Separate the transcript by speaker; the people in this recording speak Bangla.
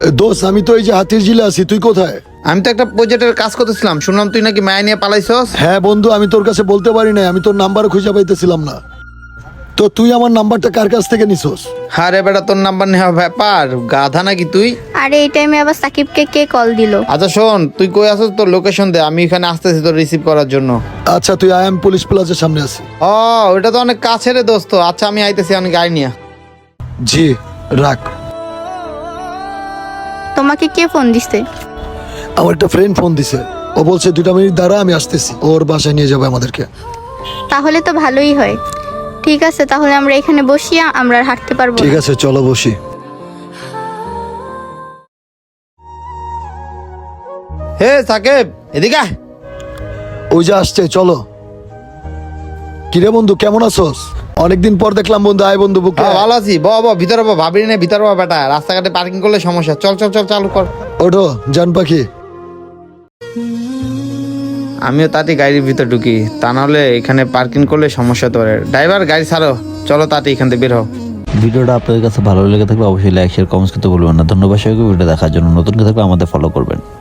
Speaker 1: দোস্ত আমি তো এই যে হাতির ঝিলে আছি, তুই কোথায়?
Speaker 2: আমি তো একটা প্রজেক্টের কাজ করতেছিলাম, শুনলাম তুই নাকি মায়া নিয়ে পালাইছস।
Speaker 1: হ্যাঁ বন্ধু, আমি তোর কাছে বলতে পারি না, আমি তোর নাম্বার খুঁজে পাইতেছিলাম না। তো তুই আমার নাম্বারটা কার কাছ থেকে নিছস?
Speaker 2: আরে বেটা, তোর নাম্বার নেওয়া ব্যাপার, গাধা নাকি তুই?
Speaker 3: আরে এই টাইমে আবার সাকিবকে কে কল দিল?
Speaker 2: আচ্ছা শোন, তুই কই আছিস, তোর লোকেশন দে, আমি এখানে আসতেছি তোর রিসিভ করার জন্য।
Speaker 1: আচ্ছা, তুই আই এম পুলিশ প্লাজার সামনে আছি।
Speaker 2: ও, ওটা তো অনেক কাছে রে দোস্ত। আচ্ছা আমি আইতেছি, অনেক গাড়ি নিয়ে।
Speaker 1: জি রাখ।
Speaker 3: তোমাকে কে ফোন দিছে?
Speaker 1: আমার একটা ফ্রেন্ড ফোন দিছে, ও বলছে 2 মিনিট দ্বারা আমি আসতেছি, ওর বাসায় নিয়ে যাবে আমাদেরকে।
Speaker 3: তাহলে তো ভালোই হয়। ঠিক আছে, তাহলে আমরা এখানে বসিয়া আমরা আর হাঁটতে পারবো
Speaker 1: ঠিক
Speaker 3: না।
Speaker 1: আছে চলো বসি।
Speaker 2: হে সাকিব, এদিকে আয়।
Speaker 1: ওই যে আসছে, চলো। কিরে বন্ধু, কেমন আছোস? অনেকদিন পর দেখলাম বন্ধু, আয় বন্ধু বুকে।
Speaker 2: হ্যাঁ, ভালো আছি। ভিতরে ভাবি নে, ভিতরে বেটা, রাস্তাঘাটে পার্কিং করলে সমস্যা। চল চল চল, চালু কর।
Speaker 1: ওঠো জান পাখি।
Speaker 2: আমিও তাতে গাড়ির ভিতর ঢুকি, তা নাহলে এখানে পার্কিং করলে সমস্যা তো। ড্রাইভার গাড়ি ছাড়ো, চলো তাতে এখান থেকে বের হও।
Speaker 4: ভিডিওটা আপনাদের কাছে ভালো লেগে থাকলে অবশ্যই লাইক শেয়ার কমেন্টস করতে ভুলবেন না। ধন্যবাদ সবাইকে ভিডিও দেখার জন্য। নতুন কেউ থাকলে আমাদের ফলো করবেন।